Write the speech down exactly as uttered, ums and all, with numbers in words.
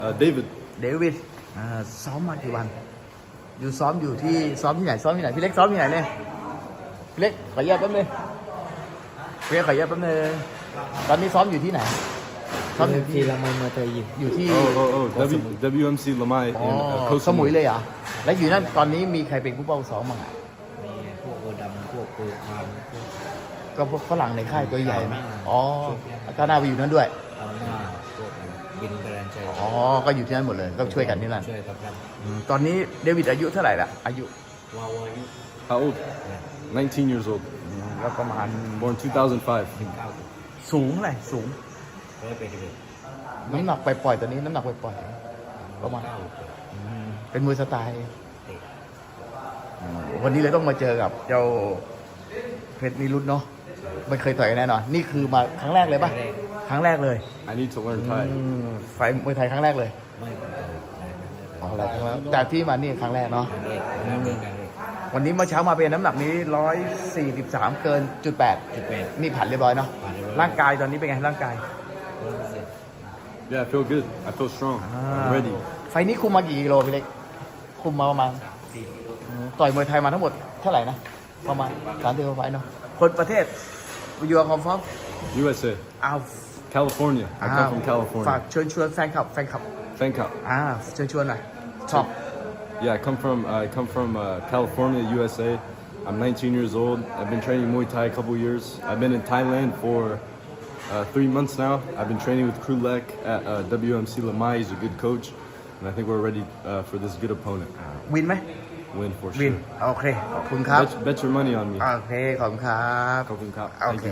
Uh, David. เดวิดอ่าซ้อมมากี่วัน อยู่ซ้อมอยู่ที่ซ้อมที่ไหนซ้อมที่ไหนพี่เล็กซ้อมที่ไหนเนี่ยพี่เล็กขออนุญาตแป๊บนึงพี่เล็กขออนุญาตแป๊บนึงตอนนี้ซ้อมอยู่ที่ไหนซ้อมอยู่ที่ที่ละไมเมือเตยยิมอยู่ที่ Oh, oh, oh. W, WMC Lamai อ๋อ in uh, Koh สมุย Samui. เลยเหรอแล้วอยู่นั่นตอนนี้มีใครเป็นผู้เป้าซ้อมบ้างอ่ะมีพวกโอดำพวกปูคามพวกก็พวกฝรั่งในค่ายตัวใหญ่ไหมอ่าอ๋อก็น่าไปอยู่นั่นด้วยเอาหน้าพวกบินกระดานชัยอ๋อก็อยู่ที่นั่นหมดเลยก็ช่วยกันที่นั่นช่วยกับเราอืมตอนนี้เดวิดอายุเท่าไหร่ละอายุวาวายุ How old? nineteen years old. อืมก็ประมาณ Born two thousand five. เก้าสูงเท่าไหร่สูงร้อยไปเลยน้ำหนักไปปล่อยๆตอนนี้น้ำหนักไปปล่อยๆประมาณเก้าอืมเป็นมวยสไตล์เตะอืมวันนี้เลยต้องมาเจอกับเจ้าเพชรนิรุตเนาะไม่เคยต่อยกันแน่นอนนี่คือมาครั้งแรกเลยป่ะครั้งแรกเลย I need to learn อื Thai. มไฟล์มวยไทยครั้งแรกเลยไม่เป็นไรอ๋อแล้วครั้งแรกแต่ที่มานี่ครั้งแรกเนาะการเล่นการเล่นการเล่นวันนี้เมื่อเช้ามาเป็นน้ำหนักนี้ร้อยสี่สิบสามเกินจุดแปดจุดแปดนี่ผ่านเรียบร้อยเนาะผ่านเรียบร้อยร่างกายตอนนี้เป็นไงร่างกายร้อยเปอร์เซ็นต์ Yeah, I feel good. I feel strong. I'm ready. ไฟล์นี้คุมมากี่กิโลพี่เล็กคุมมาประมาณสี่กิโลอืมต่อยมวยไทยมาทั้งหมดเท่าไหร่นะประมาณสามสิบกว่าไฟล์เนาะคนประเทศยูอาร์คอมฟอร์ U S A. อ้าว California. I come from ฝาก California. เชิญชวนแฟนคลับแฟนคลับ Thank you. อ่าเชิญชวนหน่อยชอบ Yeah, I come from I come from uh, California, U S A. I'm nineteen years old. I've been training Muay Thai a couple years. I've been in Thailand for uh, three months now. I've been training with Krulek at uh, W M C Lamai. He's a good coach, and I think we're ready uh, for this good opponent. วินไหม Win for วิน sure. โอเคขอบคุณครับ Bet, bet your money on me. โอเคขอบคุณครับ Kopin Kap. โอ Thank เค you.